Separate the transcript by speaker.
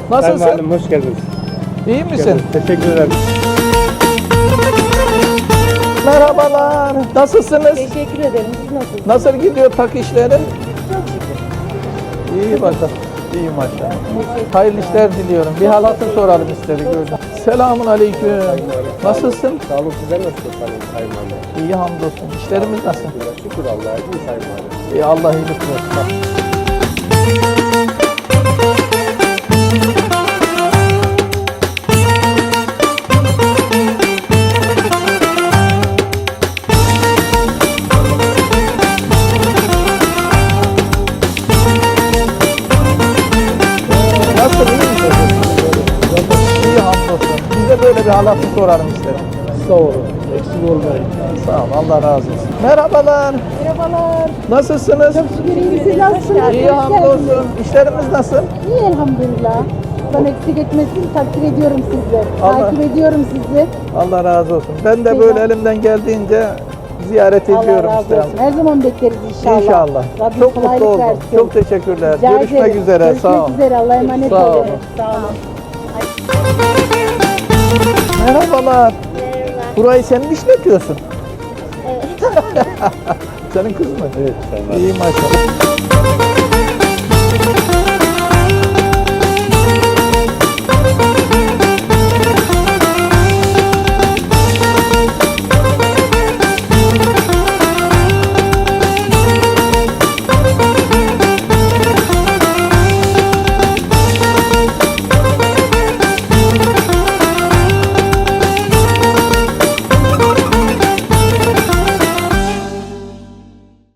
Speaker 1: Nasılsın?
Speaker 2: Sayın Valim, hoş geldiniz.
Speaker 1: İyi misin?
Speaker 2: Teşekkür ederim.
Speaker 1: Merhabalar. Nasılsınız?
Speaker 3: Teşekkür ederim. Siz nasılsınız?
Speaker 1: Nasıl gidiyor tak işleri?
Speaker 3: Çok şükür.
Speaker 1: İyi maşallah. İyi maşallah. Hayırlı işler diliyorum. Bir hal hatır soralım istedik gördüm. Selamun aleyküm. Nasılsın?
Speaker 2: Sağ olun, sizler nasılsınız Sayın Valim?
Speaker 1: İyi hamdolsun. İşlerimiz nasıl?
Speaker 2: Şükür Allah'a, iyi Sayın Valim.
Speaker 1: İyi, Allah iyilik versin. Nasıl, iyi misin? İyi hamdolsun. Biz de böyle bir hal hatır soralım istedik.
Speaker 2: Sağ olun, eksik olmayın.
Speaker 1: Sağ ol, Allah razı olsun. Merhabalar.
Speaker 3: Merhabalar.
Speaker 1: Nasılsınız?
Speaker 3: Şükür iyi. Siz nasılsınız?
Speaker 1: İyi hamdolsun. İşlerimiz nasıl?
Speaker 3: İyi elhamdülillah. Ben eksik etmesin, takdir ediyorum sizleri.
Speaker 1: Allah-
Speaker 3: Takip ediyorum sizi.
Speaker 1: Allah razı olsun. Ben de böyle elimden geldiğince ziyaret
Speaker 3: Allah
Speaker 1: ediyorum
Speaker 3: razı
Speaker 1: işte.
Speaker 3: olsun. Her zaman bekleriz inşallah.
Speaker 1: İnşallah.
Speaker 3: Rabbim
Speaker 1: Çok mutlu
Speaker 3: kolaylık
Speaker 1: oldum.
Speaker 3: versin.
Speaker 1: Çok teşekkürler.
Speaker 3: Rica
Speaker 1: Görüşmek
Speaker 3: ederim.
Speaker 1: üzere.
Speaker 3: Görüşmek
Speaker 1: Sağ olun.
Speaker 3: üzere. Allah'a emanet
Speaker 1: Sağ
Speaker 3: olun.
Speaker 1: olun.
Speaker 3: Sağ olun.
Speaker 1: Merhabalar. Burayı sen mi işletiyorsun? Evet. Senin kız mı?
Speaker 2: Evet, Sayın Valim.
Speaker 1: İyi maşallah.